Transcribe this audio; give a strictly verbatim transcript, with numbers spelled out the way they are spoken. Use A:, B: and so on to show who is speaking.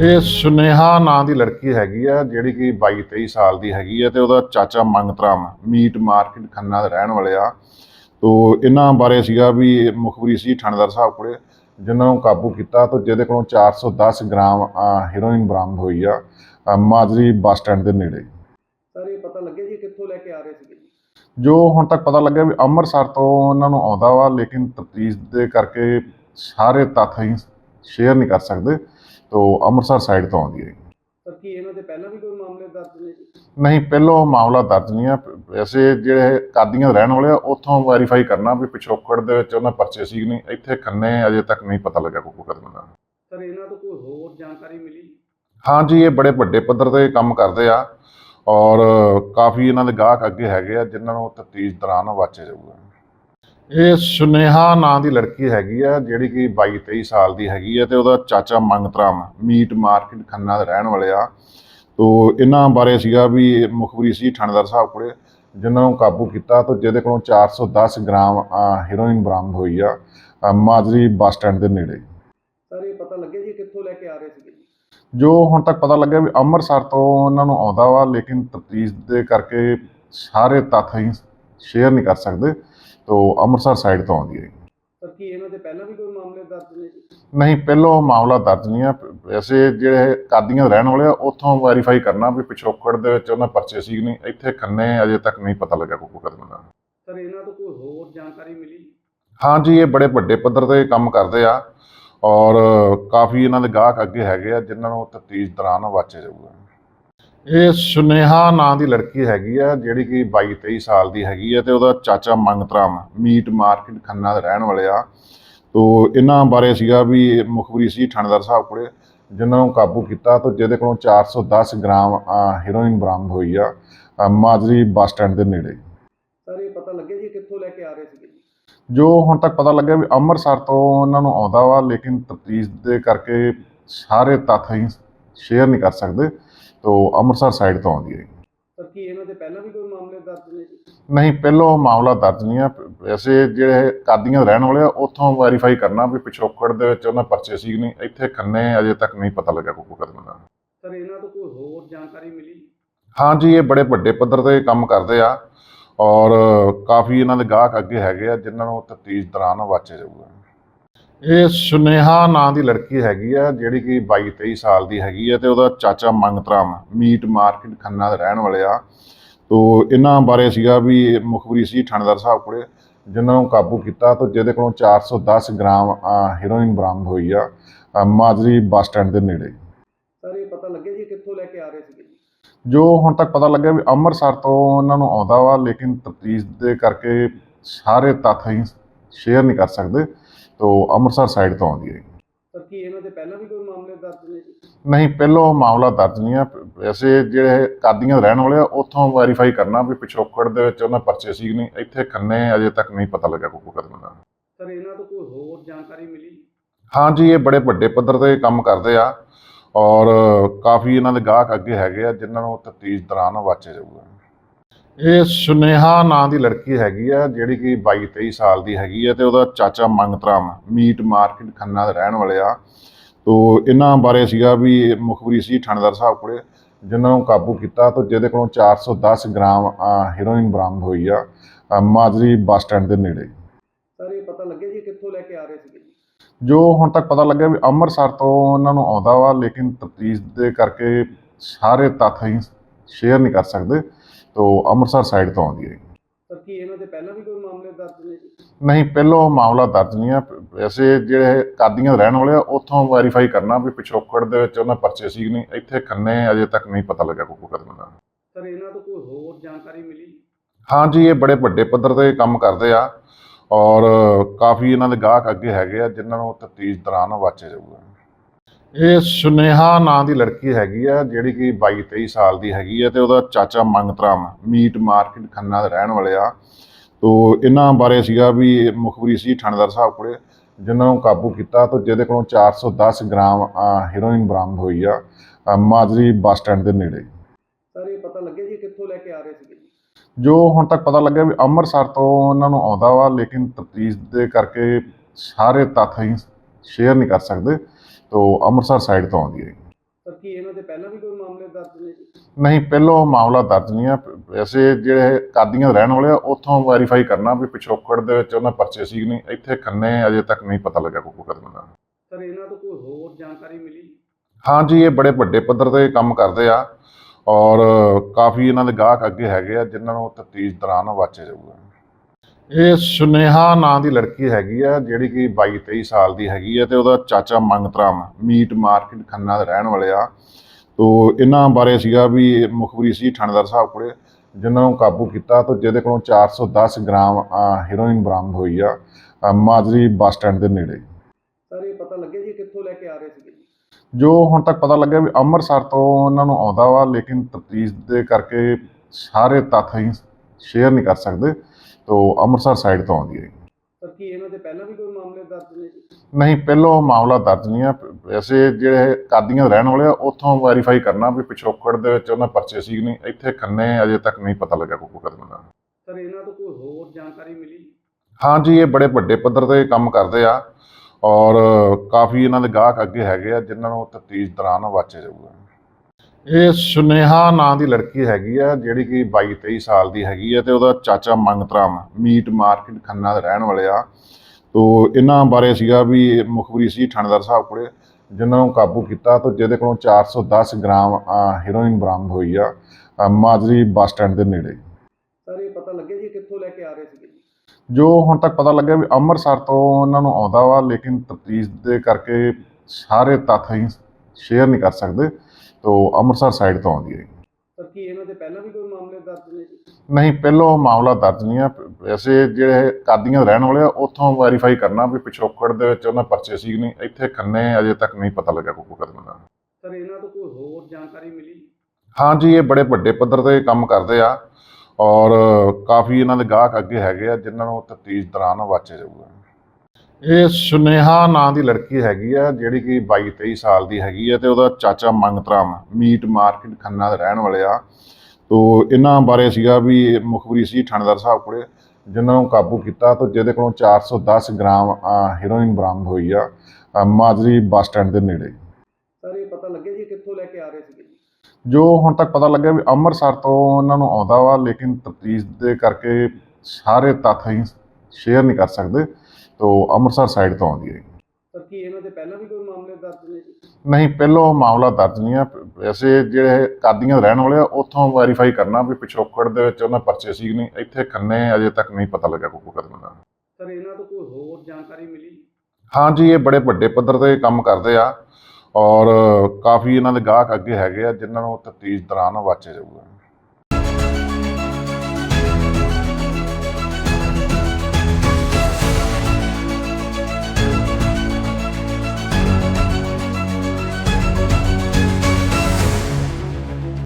A: ਇਹ ਸੁਨੇਹਾ ਨਾਂ ਦੀ ਲੜਕੀ ਹੈਗੀ ਆ ਜਿਹੜੀ ਕਿ ਬਾਈ ਤੇਈ ਸਾਲ ਦੀ ਹੈਗੀ ਆ ਤੇ ਉਹਦਾ ਚਾਚਾ ਮੰਗਤ ਰਾਮ ਮੀਟ ਮਾਰਕੀਟ ਖੰਨਾ ਦੇ ਰਹਿਣ ਵਾਲੇ ਆ। ਤੋ ਇਹਨਾਂ ਬਾਰੇ ਸੀਗਾ ਵੀ ਮੁਖਬਰੀ ਸੀ ਥਾਣੇਦਾਰ ਸਾਹਿਬ ਕੋਲੇ, ਜਿਨ੍ਹਾਂ ਨੂੰ ਕਾਬੂ ਕੀਤਾ ਤੇ ਜਿਹਦੇ ਕੋਲੋਂ ਚਾਰ ਸੌ ਦਸ ਗ੍ਰਾਮ ਹੈਰੋਇਨ ਬਰਾਮਦ ਹੋਈ ਆ ਮਾਜਰੀ ਬੱਸ ਸਟੈਂਡ ਦੇ ਨੇੜੇ।
B: ਸਰ ਇਹ ਪਤਾ ਲੱਗਿਆ ਜੀ ਕਿੱਥੋਂ ਲੈ ਕੇ ਆ ਰਹੇ ਸੀਗੇ?
A: ਜੋ ਹੁਣ ਤੱਕ ਪਤਾ ਲੱਗਿਆ ਵੀ ਅੰਮ੍ਰਿਤਸਰ ਤੋਂ ਉਹਨਾਂ ਨੂੰ ਆਉਂਦਾ ਵਾ, ਲੇਕਿਨ ਤਫਤੀਸ਼ ਦੇ ਕਰਕੇ ਸਾਰੇ ਤੱਥ ਅਸੀਂ ਸ਼ੇਅਰ ਨਹੀਂ ਕਰ ਸਕਦੇ। ਤੋ ਅੰਮ੍ਰਿਤਸਰ ਸਾਈਡ ਤੋਂ ਆਉਂਦੀ ਹੈ।
B: ਸਰ ਕੀ ਇਹਨਾਂ ਦੇ ਪਹਿਲਾਂ ਵੀ ਕੋਈ ਮਾਮਲੇ ਦਰਜ ਨੇ ਜੀ?
A: ਨਹੀਂ, ਪਹਿਲੋਂ ਮਾਮਲਾ ਦਰਜ ਨਹੀਂ ਆ। ਵੈਸੇ ਜਿਹੜੇ ਕਾਦੀਆਂ ਰਹਿਣ ਵਾਲੇ ਆ ਉੱਥੋਂ ਵੈਰੀਫਾਈ ਕਰਨਾ ਵੀ ਪਿਛੋਕੜ ਦੇ ਵਿੱਚ ਉਹਨਾਂ ਪਰਚੇ ਸੀ ਨਹੀਂ। ਇੱਥੇ ਖੰਨੇ ਅਜੇ ਤੱਕ ਨਹੀਂ ਪਤਾ ਲੱਗਾ ਕੋਈ ਕਦਮ ਦਾ।
B: ਸਰ ਇਹਨਾਂ ਤੋਂ ਕੋਈ ਹੋਰ ਜਾਣਕਾਰੀ ਮਿਲੀ?
A: ਹਾਂਜੀ, ਇਹ ਬੜੇ ਵੱਡੇ ਪੱਧਰ ਤੇ ਕੰਮ ਕਰਦੇ ਆ ਔਰ ਕਾਫੀ ਇਹਨਾਂ ਦੇ ਗਾਹਕ ਅੱਗੇ ਹੈਗੇ ਆ ਜਿਨ੍ਹਾਂ ਨੂੰ ਤਫਤੀਸ਼ ਦੌਰਾਨ ਵਾਚਿਆ ਜਾਊਗਾ। ਇਹ ਸੁਨੇਹਾ ਨਾਂ ਦੀ ਲੜਕੀ ਹੈਗੀ ਆ ਜਿਹੜੀ ਕਿ ਬਾਈ ਤੇਈ ਸਾਲ ਦੀ ਹੈਗੀ ਆ ਤੇ ਉਹਦਾ ਚਾਚਾ ਮੰਗਤ ਰਾਮ ਮੀਟ ਮਾਰਕੀਟ ਖੰਨਾ ਦੇ ਰਹਿਣ ਵਾਲੇ ਆ। ਤੋ ਇਹਨਾਂ ਬਾਰੇ ਸੀਗਾ ਵੀ ਮੁਖਬਰੀ ਸੀ ਥਾਣੇਦਾਰ ਸਾਹਿਬ ਕੋਲੇ, ਜਿਨ੍ਹਾਂ ਨੂੰ ਕਾਬੂ ਕੀਤਾ ਤੇ ਜਿਹਦੇ ਕੋਲੋਂ ਚਾਰ ਸੌ ਦਸ ਗ੍ਰਾਮ ਹੈਰੋਇਨ ਬਰਾਮਦ ਹੋਈ ਆ ਮਾਜਰੀ ਬੱਸ ਸਟੈਂਡ ਦੇ ਨੇੜੇ।
B: ਸਰ ਇਹ ਪਤਾ ਲੱਗਿਆ ਜੀ ਕਿੱਥੋਂ ਲੈ ਕੇ ਆ ਰਹੇ ਸੀਗੇ?
A: ਜੋ ਹੁਣ ਤੱਕ ਪਤਾ ਲੱਗਿਆ ਵੀ ਅੰਮ੍ਰਿਤਸਰ ਤੋਂ ਉਹਨਾਂ ਨੂੰ ਆਉਂਦਾ ਵਾ, ਲੇਕਿਨ ਤਫਤੀਸ਼ ਦੇ ਕਰਕੇ ਸਾਰੇ ਤੱਥ ਅਸੀਂ ਸ਼ੇਅਰ ਨਹੀਂ ਕਰ ਸਕਦੇ। ਤੋ ਅੰਮ੍ਰਿਤਸਰ ਸਾਈਡ ਤੋਂ ਆਉਂਦੀ ਹੈ।
B: ਸਰ ਕੀ ਇਹਨਾਂ ਦੇ ਪਹਿਲਾਂ ਵੀ ਕੋਈ ਮਾਮਲੇ ਦਰਜ ਨੇ ਜੀ?
A: ਨਹੀਂ, ਪਹਿਲੋਂ ਮਾਮਲਾ ਦਰਜ ਨਹੀਂ ਆ। ਵੈਸੇ ਜਿਹੜੇ ਕਾਦੀਆਂ ਰਹਿਣ ਵਾਲੇ ਆ ਉੱਥੋਂ ਵੈਰੀਫਾਈ ਕਰਨਾ ਵੀ ਪਿਛੋਕੜ ਦੇ ਵਿੱਚ ਉਹਨਾਂ ਪਰਚੇ ਸੀ ਨਹੀਂ। ਇੱਥੇ ਖੰਨੇ ਅਜੇ ਤੱਕ ਨਹੀਂ ਪਤਾ ਲੱਗਾ ਕੋਈ ਕਦਮ ਦਾ।
B: ਸਰ ਇਹਨਾਂ ਤੋਂ ਕੋਈ ਹੋਰ ਜਾਣਕਾਰੀ ਮਿਲੀ?
A: ਹਾਂਜੀ, ਇਹ ਬੜੇ ਵੱਡੇ ਪੱਧਰ ਤੇ ਕੰਮ ਕਰਦੇ ਆ ਔਰ ਕਾਫੀ ਇਹਨਾਂ ਦੇ ਗਾਹਕ ਅੱਗੇ ਹੈਗੇ ਆ ਜਿਨ੍ਹਾਂ ਨੂੰ ਤਫਤੀਸ਼ ਦੌਰਾਨ ਵਾਚਿਆ ਜਾਊਗਾ। ਇਹ ਸੁਨੇਹਾ ਨਾਂ ਦੀ ਲੜਕੀ ਹੈਗੀ ਆ ਜਿਹੜੀ ਕਿ ਬਾਈ ਤੇਈ ਸਾਲ ਦੀ ਹੈਗੀ ਆ ਤੇ ਉਹਦਾ ਚਾਚਾ ਮੰਗਤ ਰਾਮ ਮੀਟ ਮਾਰਕੀਟ ਖੰਨਾ ਦੇ ਰਹਿਣ ਵਾਲੇ ਆ। ਤੋ ਇਹਨਾਂ ਬਾਰੇ ਸੀਗਾ ਵੀ ਮੁਖਬਰੀ ਸੀ ਥਾਣੇਦਾਰ ਸਾਹਿਬ ਕੋਲੇ, ਜਿਨ੍ਹਾਂ ਨੂੰ ਕਾਬੂ ਕੀਤਾ ਤੇ ਜਿਹਦੇ ਕੋਲੋਂ ਚਾਰ ਸੌ ਦਸ ਗ੍ਰਾਮ ਹੈਰੋਇਨ ਬਰਾਮਦ ਹੋਈ ਆ ਮਾਜਰੀ ਬੱਸ ਸਟੈਂਡ ਦੇ ਨੇੜੇ।
B: ਸਰ ਇਹ ਪਤਾ ਲੱਗਿਆ ਜੀ ਕਿੱਥੋਂ ਲੈ ਕੇ ਆ ਰਹੇ ਸੀਗੇ?
A: ਜੋ ਹੁਣ ਤੱਕ ਪਤਾ ਲੱਗਿਆ ਵੀ ਅੰਮ੍ਰਿਤਸਰ ਤੋਂ ਉਹਨਾਂ ਨੂੰ ਆਉਂਦਾ ਵਾ, ਲੇਕਿਨ ਤਫਤੀਸ਼ ਦੇ ਕਰਕੇ ਸਾਰੇ ਤੱਥ ਅਸੀਂ ਸ਼ੇਅਰ ਨਹੀਂ ਕਰ ਸਕਦੇ। ਤੋ ਅੰਮ੍ਰਿਤਸਰ ਸਾਈਡ ਤੋਂ ਆਉਂਦੀ ਹੈ।
B: ਸਰ ਕੀ ਇਹਨਾਂ ਦੇ ਪਹਿਲਾਂ ਵੀ ਕੋਈ ਮਾਮਲੇ ਦਰਜ ਨੇ ਜੀ?
A: ਨਹੀਂ, ਪਹਿਲੋਂ ਮਾਮਲਾ ਦਰਜ ਨਹੀਂ ਆ। ਵੈਸੇ ਜਿਹੜੇ ਕਾਦੀਆਂ ਰਹਿਣ ਵਾਲੇ ਆ ਉੱਥੋਂ ਵੈਰੀਫਾਈ ਕਰਨਾ ਵੀ ਪਿਛੋਕੜ ਦੇ ਵਿੱਚ ਉਹਨਾਂ ਪਰਚੇ ਸੀ ਨਹੀਂ। ਇੱਥੇ ਖੰਨੇ ਅਜੇ ਤੱਕ ਨਹੀਂ ਪਤਾ ਲੱਗਾ ਕੋਈ ਕਦਮ ਦਾ।
B: ਸਰ ਇਹਨਾਂ ਤੋਂ ਕੋਈ ਹੋਰ ਜਾਣਕਾਰੀ ਮਿਲੀ?
A: ਹਾਂਜੀ, ਇਹ ਬੜੇ ਵੱਡੇ ਪੱਧਰ ਤੇ ਕੰਮ ਕਰਦੇ ਆ ਔਰ ਕਾਫੀ ਇਹਨਾਂ ਦੇ ਗਾਹਕ ਅੱਗੇ ਹੈਗੇ ਆ ਜਿਨ੍ਹਾਂ ਨੂੰ ਤਫਤੀਸ਼ ਦੌਰਾਨ ਵਾਚਿਆ ਜਾਊਗਾ। ਇਹ ਸੁਨੇਹਾ ਨਾਂ ਦੀ ਲੜਕੀ ਹੈਗੀ ਆ ਜਿਹੜੀ ਕਿ ਬਾਈ ਤੇਈ ਸਾਲ ਦੀ ਹੈਗੀ ਆ ਤੇ ਉਹਦਾ ਚਾਚਾ ਮੰਗਤ ਰਾਮ ਮੀਟ ਮਾਰਕੀਟ ਖੰਨਾ ਦੇ ਰਹਿਣ ਵਾਲੇ ਆ। ਤੋ ਇਹਨਾਂ ਬਾਰੇ ਸੀਗਾ ਵੀ ਮੁਖਬਰੀ ਸੀ ਥਾਣੇਦਾਰ ਸਾਹਿਬ ਕੋਲੇ, ਜਿਨ੍ਹਾਂ ਨੂੰ ਕਾਬੂ ਕੀਤਾ ਤੇ ਜਿਹਦੇ ਕੋਲੋਂ ਚਾਰ ਸੌ ਦਸ ਗ੍ਰਾਮ ਹੈਰੋਇਨ ਬਰਾਮਦ ਹੋਈ ਆ ਮਾਜਰੀ ਬੱਸ ਸਟੈਂਡ ਦੇ ਨੇੜੇ।
B: ਸਰ ਇਹ ਪਤਾ ਲੱਗਿਆ ਜੀ ਕਿੱਥੋਂ ਲੈ ਕੇ ਆ ਰਹੇ ਸੀਗੇ?
A: ਜੋ ਹੁਣ ਤੱਕ ਪਤਾ ਲੱਗਿਆ ਵੀ ਅੰਮ੍ਰਿਤਸਰ ਤੋਂ ਉਹਨਾਂ ਨੂੰ ਆਉਂਦਾ ਵਾ, ਲੇਕਿਨ ਤਫਤੀਸ਼ ਦੇ ਕਰਕੇ ਸਾਰੇ ਤੱਥ ਅਸੀਂ ਸ਼ੇਅਰ ਨਹੀਂ ਕਰ ਸਕਦੇ। ਤੋ ਅੰਮ੍ਰਿਤਸਰ ਸਾਈਡ ਤੋਂ ਆਉਂਦੀ ਹੈ।
B: ਸਰ ਕੀ ਇਹਨਾਂ ਦੇ ਪਹਿਲਾਂ ਵੀ ਕੋਈ ਮਾਮਲੇ ਦਰਜ ਨੇ ਜੀ?
A: ਨਹੀਂ, ਪਹਿਲੋਂ ਮਾਮਲਾ ਦਰਜ ਨਹੀਂ ਆ। ਵੈਸੇ ਜਿਹੜੇ ਕਾਦੀਆਂ ਰਹਿਣ ਵਾਲੇ ਆ ਉੱਥੋਂ ਵੈਰੀਫਾਈ ਕਰਨਾ ਵੀ ਪਿਛੋਕੜ ਦੇ ਵਿੱਚ ਉਹਨਾਂ ਪਰਚੇ ਸੀ ਨਹੀਂ। ਇੱਥੇ ਖੰਨੇ ਅਜੇ ਤੱਕ ਨਹੀਂ ਪਤਾ ਲੱਗਾ ਕੋਈ ਕਦਮ ਦਾ।
B: ਸਰ ਇਹਨਾਂ ਤੋਂ ਕੋਈ ਹੋਰ ਜਾਣਕਾਰੀ ਮਿਲੀ?
A: ਹਾਂਜੀ, ਇਹ ਬੜੇ ਵੱਡੇ ਪੱਧਰ ਤੇ ਕੰਮ ਕਰਦੇ ਆ ਔਰ ਕਾਫੀ ਇਹਨਾਂ ਦੇ ਗਾਹਕ ਅੱਗੇ ਹੈਗੇ ਆ ਜਿਨ੍ਹਾਂ ਨੂੰ ਤਫਤੀਸ਼ ਦੌਰਾਨ ਵਾਚਿਆ ਜਾਊਗਾ। ਇਹ ਸੁਨੇਹਾ ਨਾਂ ਦੀ ਲੜਕੀ ਹੈਗੀ ਆ ਜਿਹੜੀ ਕਿ ਬਾਈ ਤੇਈ ਸਾਲ ਦੀ ਹੈਗੀ ਆ ਤੇ ਉਹਦਾ ਚਾਚਾ ਮੰਗਤ ਰਾਮ ਮੀਟ ਮਾਰਕੀਟ ਖੰਨਾ ਦੇ ਰਹਿਣ ਵਾਲੇ ਆ। ਤੋ ਇਹਨਾਂ ਬਾਰੇ ਸੀਗਾ ਵੀ ਮੁਖਬਰੀ ਸੀ ਥਾਣੇਦਾਰ ਸਾਹਿਬ ਕੋਲੇ, ਜਿਨ੍ਹਾਂ ਨੂੰ ਕਾਬੂ ਕੀਤਾ ਤੇ ਜਿਹਦੇ ਕੋਲੋਂ ਚਾਰ ਸੌ ਦਸ ਗ੍ਰਾਮ ਹੈਰੋਇਨ ਬਰਾਮਦ ਹੋਈ ਆ ਮਾਜਰੀ ਬੱਸ ਸਟੈਂਡ ਦੇ ਨੇੜੇ।
B: ਸਰ ਇਹ ਪਤਾ ਲੱਗਿਆ ਜੀ ਕਿੱਥੋਂ ਲੈ ਕੇ ਆ ਰਹੇ ਸੀਗੇ?
A: ਜੋ ਹੁਣ ਤੱਕ ਪਤਾ ਲੱਗਿਆ ਵੀ ਅੰਮ੍ਰਿਤਸਰ ਤੋਂ ਉਹਨਾਂ ਨੂੰ ਆਉਂਦਾ ਵਾ, ਲੇਕਿਨ ਤਫਤੀਸ਼ ਦੇ ਕਰਕੇ ਸਾਰੇ ਤੱਥ ਅਸੀਂ ਸ਼ੇਅਰ ਨਹੀਂ ਕਰ ਸਕਦੇ। ਤੋ ਅੰਮ੍ਰਿਤਸਰ ਸਾਈਡ ਤੋਂ ਆਉਂਦੀ ਹੈ।
B: ਸਰ ਕੀ ਇਹਨਾਂ ਦੇ ਪਹਿਲਾਂ ਵੀ ਕੋਈ ਮਾਮਲੇ ਦਰਜ ਨੇ ਜੀ?
A: ਨਹੀਂ, ਪਹਿਲੋਂ ਮਾਮਲਾ ਦਰਜ ਨਹੀਂ ਆ। ਵੈਸੇ ਜਿਹੜੇ ਕਾਦੀਆਂ ਰਹਿਣ ਵਾਲੇ ਆ ਉੱਥੋਂ ਵੈਰੀਫਾਈ ਕਰਨਾ ਵੀ ਪਿਛੋਕੜ ਦੇ ਵਿੱਚ ਉਹਨਾਂ ਪਰਚੇ ਸੀ ਨਹੀਂ। ਇੱਥੇ ਖੰਨੇ ਅਜੇ ਤੱਕ ਨਹੀਂ ਪਤਾ ਲੱਗਾ ਕੋਈ ਕਦਮ ਦਾ।
B: ਸਰ ਇਹਨਾਂ ਤੋਂ ਕੋਈ ਹੋਰ ਜਾਣਕਾਰੀ ਮਿਲੀ?
A: ਹਾਂਜੀ, ਇਹ ਬੜੇ ਵੱਡੇ ਪੱਧਰ ਤੇ ਕੰਮ ਕਰਦੇ ਆ ਔਰ ਕਾਫੀ ਇਹਨਾਂ ਦੇ ਗਾਹਕ ਅੱਗੇ ਹੈਗੇ ਆ ਜਿਨ੍ਹਾਂ ਨੂੰ ਤਫਤੀਸ਼ ਦੌਰਾਨ ਵਾਚਿਆ ਜਾਊਗਾ। ਇਹ ਸੁਨੇਹਾ ਨਾਂ ਦੀ ਲੜਕੀ ਹੈਗੀ ਆ ਜਿਹੜੀ ਕਿ ਬਾਈ ਤੇਈ ਸਾਲ ਦੀ ਹੈਗੀ ਆ ਤੇ ਉਹਦਾ ਚਾਚਾ ਮੰਗਤ ਰਾਮ ਮੀਟ ਮਾਰਕੀਟ ਖੰਨਾ ਦੇ ਰਹਿਣ ਵਾਲੇ ਆ। ਤੋ ਇਹਨਾਂ ਬਾਰੇ ਸੀਗਾ ਵੀ ਮੁਖਬਰੀ ਸੀ ਥਾਣੇਦਾਰ ਸਾਹਿਬ ਕੋਲੇ, ਜਿਨ੍ਹਾਂ ਨੂੰ ਕਾਬੂ ਕੀਤਾ ਤੇ ਜਿਹਦੇ ਕੋਲੋਂ ਚਾਰ ਸੌ ਦਸ ਗ੍ਰਾਮ ਹੈਰੋਇਨ ਬਰਾਮਦ ਹੋਈ ਆ ਮਾਜਰੀ ਬੱਸ ਸਟੈਂਡ ਦੇ ਨੇੜੇ।
B: ਸਰ ਇਹ ਪਤਾ ਲੱਗਿਆ ਜੀ ਕਿੱਥੋਂ ਲੈ ਕੇ ਆ ਰਹੇ ਸੀਗੇ?
A: ਜੋ ਹੁਣ ਤੱਕ ਪਤਾ ਲੱਗਿਆ ਵੀ ਅੰਮ੍ਰਿਤਸਰ ਤੋਂ ਉਹਨਾਂ ਨੂੰ ਆਉਂਦਾ ਵਾ, ਲੇਕਿਨ ਤਫਤੀਸ਼ ਦੇ ਕਰਕੇ ਸਾਰੇ ਤੱਥ ਅਸੀਂ ਸ਼ੇਅਰ ਨਹੀਂ ਕਰ ਸਕਦੇ। ਤੋ ਅੰਮ੍ਰਿਤਸਰ ਸਾਈਡ ਤੋਂ ਆਉਂਦੀ ਹੈ।
B: ਸਰ ਕੀ ਇਹਨਾਂ ਦੇ ਪਹਿਲਾਂ ਵੀ ਕੋਈ ਮਾਮਲੇ ਦਰਜ ਨੇ ਜੀ?
A: ਨਹੀਂ, ਪਹਿਲੋਂ ਮਾਮਲਾ ਦਰਜ ਨਹੀਂ ਆ। ਵੈਸੇ ਜਿਹੜੇ ਕਾਦੀਆਂ ਦੇ ਰਹਿਣ ਵਾਲੇ ਆ ਉੱਥੋਂ ਵੈਰੀਫਾਈ ਕਰਨਾ ਵੀ ਪਿਛੋਕੜ ਦੇ ਵਿੱਚ ਉਹਨਾਂ ਪਰਚੇ ਸੀ ਕਿ ਨਹੀਂ। ਇੱਥੇ ਖੰਨੇ ਅਜੇ ਤੱਕ ਨਹੀਂ ਪਤਾ ਲੱਗਾ ਕੋਈ ਮੁਕੱਦਮੇ ਦਾ।
B: ਸਰ ਇਹਨਾਂ ਤੋਂ ਕੋਈ ਹੋਰ ਜਾਣਕਾਰੀ ਮਿਲੀ?
A: ਹਾਂਜੀ, ਇਹ ਬੜੇ ਵੱਡੇ ਪੱਧਰ ਤੇ ਕੰਮ ਕਰਦੇ ਆ ਔਰ ਕਾਫੀ ਇਹਨਾਂ ਦੇ ਗਾਹਕ ਅੱਗੇ ਹੈਗੇ ਆ ਜਿਨ੍ਹਾਂ ਨੂੰ ਤਫਤੀਸ਼ ਦੌਰਾਨ ਵਾਚਿਆ ਜਾਊਗਾ। ਇਹ ਸੁਨੇਹਾ ਨਾਂ ਦੀ ਲੜਕੀ ਹੈਗੀ ਆ ਜਿਹੜੀ ਕਿ ਬਾਈ ਤੇਈ ਸਾਲ ਦੀ ਹੈਗੀ ਆ ਤੇ ਉਹਦਾ ਚਾਚਾ ਮੰਗਤ ਰਾਮ ਮੀਟ ਮਾਰਕੀਟ ਖੰਨਾ ਦੇ ਰਹਿਣ ਵਾਲੇ ਆ। ਤੋ ਇਹਨਾਂ ਬਾਰੇ ਸੀਗਾ ਵੀ ਇਹ ਮੁਖਬਰੀ ਸੀ ਥਾਣੇਦਾਰ ਸਾਹਿਬ ਕੋਲੇ, ਜਿਨ੍ਹਾਂ ਨੂੰ ਕਾਬੂ ਕੀਤਾ ਤੇ ਜਿਹਦੇ ਕੋਲੋਂ ਚਾਰ ਸੌ ਦਸ ਗ੍ਰਾਮ ਅ, ਹੈਰੋਇਨ ਬਰਾਮਦ ਹੋਈ ਆ ਅ, ਮਾਜਰੀ ਬੱਸ ਸਟੈਂਡ ਦੇ ਨੇੜੇ।
B: ਸਰ ਇਹ ਪਤਾ ਲੱਗਿਆ ਜੀ ਕਿੱਥੋਂ ਲੈ ਕੇ ਆ ਰਹੇ ਸੀਗੇ ਜੀ?
A: ਜੋ ਹੁਣ ਤੱਕ ਪਤਾ ਲੱਗਿਆ ਵੀ ਅੰਮ੍ਰਿਤਸਰ ਤੋਂ ਉਹਨਾਂ ਨੂੰ ਆਉਂਦਾ ਵਾ, ਲੇਕਿਨ ਤਫਤੀਸ਼ ਦੇ ਕਰਕੇ ਸਾਰੇ ਤੱਥ ਅਸੀਂ ਸ਼ੇਅਰ ਨਹੀਂ ਕਰ ਸਕਦੇ। ਤੋ ਅੰਮ੍ਰਿਤਸਰ ਸਾਈਡ ਤੋਂ ਆਉਂਦੀ ਹੈ।
B: ਸਰ ਕੀ ਇਹਨਾਂ ਦੇ ਪਹਿਲਾਂ ਵੀ ਕੋਈ ਮਾਮਲੇ ਦਰਜ ਨੇ ਜੀ?
A: ਨਹੀਂ, ਪਹਿਲੋਂ ਮਾਮਲਾ ਦਰਜ ਨਹੀਂ ਆ। ਵੈਸੇ ਜਿਹੜੇ ਕਾਦੀਆਂ ਦੇ ਰਹਿਣ ਵਾਲੇ ਆ ਉੱਥੋਂ ਵੈਰੀਫਾਈ ਕਰਨਾ ਵੀ ਪਿਛੋਕੜ ਦੇ ਵਿੱਚ ਉਹਨਾਂ ਪਰਚੇ ਸੀ ਕਿ ਨਹੀਂ। ਇੱਥੇ ਖੰਨੇ ਅਜੇ ਤੱਕ ਨਹੀਂ ਪਤਾ ਲੱਗਾ ਕੋਈ ਮੁਕੱਦਮੇ ਦਾ।
B: ਸਰ ਇਹਨਾਂ ਤੋਂ ਕੋਈ ਹੋਰ ਜਾਣਕਾਰੀ ਮਿਲੀ?
A: ਹਾਂਜੀ, ਇਹ ਬੜੇ ਵੱਡੇ ਪੱਧਰ ਤੇ ਕੰਮ ਕਰਦੇ ਆ ਔਰ ਕਾਫੀ ਇਹਨਾਂ ਦੇ ਗਾਹਕ ਅੱਗੇ ਹੈਗੇ ਆ ਜਿਨ੍ਹਾਂ ਨੂੰ ਤਫਤੀਸ਼ ਦੌਰਾਨ ਵਾਚਿਆ ਜਾਊਗਾ। ਇਹ ਸੁਨੇਹਾ ਨਾਂ ਦੀ ਲੜਕੀ ਹੈਗੀ ਆ ਜਿਹੜੀ ਕਿ ਬਾਈ ਤੇਈ ਸਾਲ ਦੀ ਹੈਗੀ ਆ ਤੇ ਉਹਦਾ ਚਾਚਾ ਮੰਗਤ ਰਾਮ ਮੀਟ ਮਾਰਕੀਟ ਖੰਨਾ ਦੇ ਰਹਿਣ ਵਾਲੇ ਆ। ਤੋ ਇਹਨਾਂ ਬਾਰੇ ਸੀਗਾ ਵੀ ਇਹ ਮੁਖਬਰੀ ਸੀ ਥਾਣੇਦਾਰ ਸਾਹਿਬ ਕੋਲੇ, ਜਿਨ੍ਹਾਂ ਨੂੰ ਕਾਬੂ ਕੀਤਾ ਤੇ ਜਿਹਦੇ ਕੋਲੋਂ ਚਾਰ ਸੌ ਦਸ ਗ੍ਰਾਮ ਅ, ਹੈਰੋਇਨ ਬਰਾਮਦ ਹੋਈ ਆ ਅ, ਮਾਜਰੀ ਬੱਸ ਸਟੈਂਡ ਦੇ ਨੇੜੇ।
B: ਸਰ ਇਹ ਪਤਾ ਲੱਗਿਆ ਜੀ ਕਿੱਥੋਂ ਲੈ ਕੇ ਆ ਰਹੇ ਸੀਗੇ ਜੀ?
A: ਜੋ ਹੁਣ ਤੱਕ ਪਤਾ ਲੱਗਿਆ ਵੀ ਅੰਮ੍ਰਿਤਸਰ ਤੋਂ ਉਹਨਾਂ ਨੂੰ ਆਉਂਦਾ ਵਾ, ਲੇਕਿਨ ਤਫਤੀਸ਼ ਦੇ ਕਰਕੇ ਸਾਰੇ ਤੱਥ ਅਸੀਂ ਸ਼ੇਅਰ ਨਹੀਂ ਕਰ ਸਕਦੇ। ਤੋ ਅੰਮ੍ਰਿਤਸਰ ਸਾਈਡ ਤੋਂ ਆਉਂਦੀ ਹੈ।
B: ਸਰ ਕੀ ਇਹਨਾਂ ਦੇ ਪਹਿਲਾਂ ਵੀ ਕੋਈ ਮਾਮਲੇ ਦਰਜ ਨੇ ਜੀ?
A: ਨਹੀਂ, ਪਹਿਲੋਂ ਮਾਮਲਾ ਦਰਜ ਨਹੀਂ ਆ। ਵੈਸੇ ਜਿਹੜੇ ਕਾਦੀਆਂ ਦੇ ਰਹਿਣ ਵਾਲੇ ਆ ਉੱਥੋਂ ਵੈਰੀਫਾਈ ਕਰਨਾ ਵੀ ਪਿਛੋਕੜ ਦੇ ਵਿੱਚ ਉਹਨਾਂ ਪਰਚੇ ਸੀ ਕਿ ਨਹੀਂ। ਇੱਥੇ ਖੰਨੇ ਅਜੇ ਤੱਕ ਨਹੀਂ ਪਤਾ ਲੱਗਾ ਕੋਈ ਮੁਕੱਦਮੇ ਦਾ।
B: ਸਰ ਇਹਨਾਂ ਤੋਂ ਕੋਈ ਹੋਰ ਜਾਣਕਾਰੀ ਮਿਲੀ?
A: ਹਾਂਜੀ, ਇਹ ਬੜੇ ਵੱਡੇ ਪੱਧਰ ਤੇ ਕੰਮ ਕਰਦੇ ਆ ਔਰ ਕਾਫੀ ਇਹਨਾਂ ਦੇ ਗਾਹਕ ਅੱਗੇ ਹੈਗੇ ਆ ਜਿਨ੍ਹਾਂ ਨੂੰ ਤਫਤੀਸ਼ ਦੌਰਾਨ ਵਾਚਿਆ ਜਾਊਗਾ। ਇਹ ਸੁਨੇਹਾ ਨਾਂ ਦੀ ਲੜਕੀ ਹੈਗੀ ਆ ਜਿਹੜੀ ਕਿ ਬਾਈ ਤੇਈ ਸਾਲ ਦੀ ਹੈਗੀ ਆ ਤੇ ਉਹਦਾ ਚਾਚਾ ਮੰਗਤ ਰਾਮ ਮੀਟ ਮਾਰਕੀਟ ਖੰਨਾ ਦੇ ਰਹਿਣ ਵਾਲੇ ਆ। ਤੋ ਇਹਨਾਂ ਬਾਰੇ ਸੀਗਾ ਵੀ ਇਹ ਮੁਖਬਰੀ ਸੀ ਥਾਣੇਦਾਰ ਸਾਹਿਬ ਕੋਲੇ, ਜਿਨ੍ਹਾਂ ਨੂੰ ਕਾਬੂ ਕੀਤਾ ਤੇ ਜਿਹਦੇ ਕੋਲੋਂ ਚਾਰ ਸੌ ਦਸ ਗ੍ਰਾਮ ਅ, ਹੈਰੋਇਨ ਬਰਾਮਦ ਹੋਈ ਆ ਅ, ਮਾਜਰੀ ਬੱਸ ਸਟੈਂਡ ਦੇ ਨੇੜੇ।
B: ਸਰ ਇਹ ਪਤਾ ਲੱਗਿਆ ਜੀ ਕਿੱਥੋਂ ਲੈ ਕੇ ਆ ਰਹੇ ਸੀਗੇ ਜੀ?
A: ਜੋ ਹੁਣ ਤੱਕ ਪਤਾ ਲੱਗਿਆ ਵੀ ਅੰਮ੍ਰਿਤਸਰ ਤੋਂ ਉਹਨਾਂ ਨੂੰ ਆਉਂਦਾ ਵਾ, ਲੇਕਿਨ ਤਫਤੀਸ਼ ਦੇ ਕਰਕੇ ਸਾਰੇ ਤੱਥ ਅਸੀਂ ਸ਼ੇਅਰ ਨਹੀਂ ਕਰ ਸਕਦੇ। ਤੋ ਅੰਮ੍ਰਿਤਸਰ ਸਾਈਡ ਤੋਂ ਆਉਂਦੀ ਹੈ।
B: ਸਰ ਕੀ ਇਹਨਾਂ ਦੇ ਪਹਿਲਾਂ ਵੀ ਕੋਈ ਮਾਮਲੇ ਦਰਜ ਨੇ ਜੀ?
A: ਨਹੀਂ, ਪਹਿਲੋਂ ਮਾਮਲਾ ਦਰਜ ਨਹੀਂ ਆ। ਵੈਸੇ ਜਿਹੜੇ ਕਾਦੀਆਂ ਦੇ ਰਹਿਣ ਵਾਲੇ ਆ ਉੱਥੋਂ ਵੈਰੀਫਾਈ ਕਰਨਾ ਵੀ ਪਿਛੋਕੜ ਦੇ ਵਿੱਚ ਉਹਨਾਂ ਪਰਚੇ ਸੀ ਕਿ ਨਹੀਂ। ਇੱਥੇ ਖੰਨੇ ਅਜੇ ਤੱਕ ਨਹੀਂ ਪਤਾ ਲੱਗਾ ਕੋਈ ਮੁਕੱਦਮੇ ਦਾ।
B: ਸਰ ਇਹਨਾਂ ਤੋਂ ਕੋਈ ਹੋਰ ਜਾਣਕਾਰੀ ਮਿਲੀ?
A: ਹਾਂਜੀ, ਇਹ ਬੜੇ ਵੱਡੇ ਪੱਧਰ ਤੇ ਕੰਮ ਕਰਦੇ ਆ ਔਰ ਕਾਫੀ ਇਹਨਾਂ ਦੇ ਗਾਹਕ ਅੱਗੇ ਹੈਗੇ ਆ ਜਿਨ੍ਹਾਂ ਨੂੰ ਤਫਤੀਸ਼ ਦੌਰਾਨ ਵਾਚਿਆ ਜਾਊਗਾ।